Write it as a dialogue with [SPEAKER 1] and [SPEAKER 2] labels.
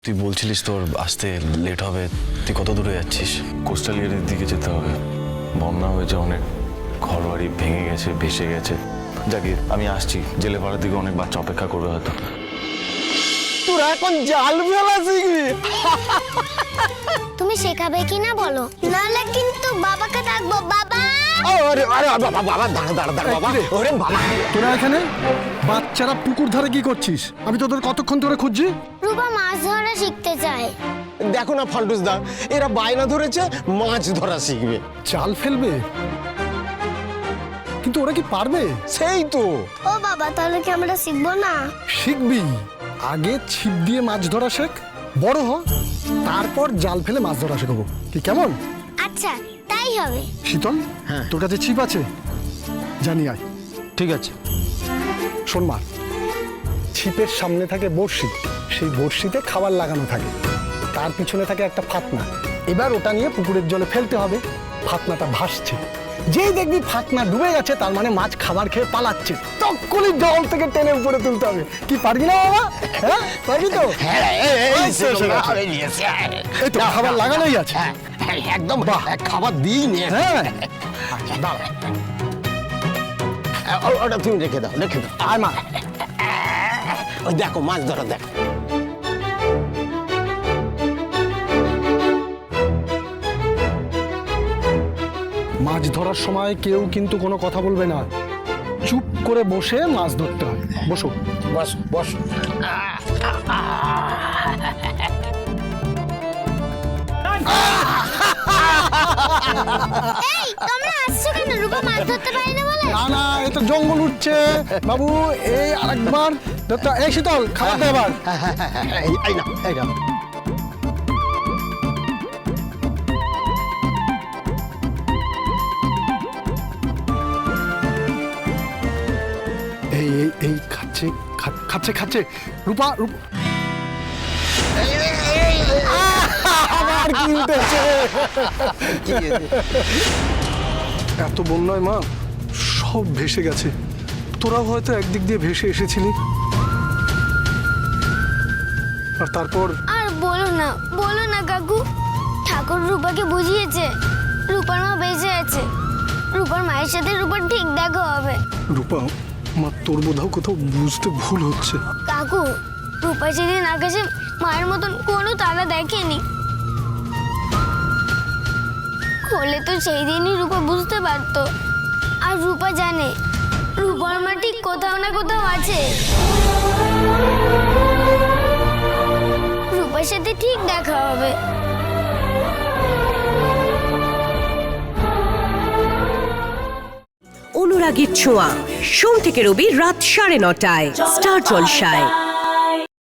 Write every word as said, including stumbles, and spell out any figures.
[SPEAKER 1] তুই বলছিলিস তোর আসতে লেট হবে, তুই কত দূরে যাচ্ছিস?
[SPEAKER 2] কোস্টাল এরিয়ার দিকে যেতে হবে। বন্যা হয়েছে, অনেক ঘর বাড়ি ভেঙে গেছে, ভেসে গেছে। যাকে আমি আসছি, জেলে পাড়ার দিকে অনেক বাচ্চা অপেক্ষা করবে হয়তো।
[SPEAKER 3] তোরা এখন জাল ফেলা শিখবি?
[SPEAKER 4] তুমি শেখাবে কি না বলো, নাহলে কিন্তু বাবাকে ডাকবো। বাবা!
[SPEAKER 3] আরে আরে বাবা বাবা দাঁড়া দাঁড়া দাঁড়া বাবা। ওরে বাবা,
[SPEAKER 5] তোরা এখানে বাচ্চারা পুকুর ধারে কি করছিস? আমি তোদের কতক্ষণ ধরে খুঁজছি।
[SPEAKER 4] রূপা মাছ ধরা শিখতে চায়।
[SPEAKER 3] দেখো না ফাল্টুস দা, এরা বায়না ধরেছে মাছ ধরা শিখবে।
[SPEAKER 5] জাল ফেলবে, কিন্তু ওরা কি পারবে?
[SPEAKER 3] সেই তো।
[SPEAKER 4] ও বাবা, তাহলে কি আমরা শিখবো না?
[SPEAKER 5] শিখবি। আগে ছিপ দিয়ে মাছ ধরা শেখ, বড় হ, তারপর জাল ফেলে মাছ ধরা শেখাবো। কি কেমন?
[SPEAKER 4] আচ্ছা, তাই হবে।
[SPEAKER 5] শীতল, হ্যাঁ, তোর কাছে ছিপ আছে? জানি আয়।
[SPEAKER 3] ঠিক আছে।
[SPEAKER 5] শোন মা, ছিপের সামনে থাকে বড়শি, সেই বড়শিতে খাবার লাগানো থাকে, তার পিছনে থাকে একটা ফাতনা। এবার ওটা নিয়ে পুকুরের জলে ফেলতে হবে। ফাতনাটা ভাসছে, যেই দেখবি ফাতনা ডুবে গেছে, তার মানে মাছ খাবার খেয়ে পালাচ্ছে। তখনই জল থেকে টেনে উপরে তুলতে হবে। কি পারবি না বাবা? হ্যাঁ, পারবি তো? এই তো খাবার লাগানোই আছে।
[SPEAKER 3] একদম খাবার দিই নে।
[SPEAKER 5] হ্যাঁ,
[SPEAKER 3] ওটা তুমি রেখে দাও, রেখে দাও।
[SPEAKER 5] আর মা,
[SPEAKER 3] ওই দেখো মাছ ধরা, দেখো।
[SPEAKER 5] মাছ ধরার সময় কেউ কিন্তু কোনো কথা বলবে না, চুপ করে বসে মাছ ধরতে হয়। বসো
[SPEAKER 3] বস বস।
[SPEAKER 4] এই, তোমরা আসছো কেন? রূপা মাছ ধরতে পারে না বলে?
[SPEAKER 5] না না, এ তো জঙ্গল উঠছে বাবু। এই আরেকবার ধরতে। এই শীতল, খাবার দে এবার।
[SPEAKER 3] এই এই না, এই না।
[SPEAKER 5] এই এই এই খাচ্ছে খা- খাচ্ছে খাচ্ছে রূপা রূপ আবার কি উঠেছে? এত বন্যায় মা সব ভেসে গেছে। তোরাও হয়তো একদিক দিয়ে ভেসে এসেছিলি। আর তারপর
[SPEAKER 4] আর বলো না, বলো না কাকু। ঠাকুর রূপাকে বুঝিয়েছে রূপার মা বেঁচে আছে। রূপার মায়ের সাথে রূপার ঠিক দেখা হবে।
[SPEAKER 5] রূপা, মা তোর বোধহয় কোথাও বুঝতে ভুল হচ্ছে।
[SPEAKER 4] কাকু, রূপা সেদিন আকাশে মায়ের মতন কোনো তারা দেখেনি। হলে তো সেই দিনই রূপা বুঝতে পারতো। আর রূপা জানে রূপার মা ঠিক কোথাও না কোথাও আছে। রূপার সাথে ঠিক দেখা হবে।
[SPEAKER 6] অনুরাগীর ছোঁয়া, সোম থেকে রবি রাত সাড়ে নটায় স্টার জলসায়।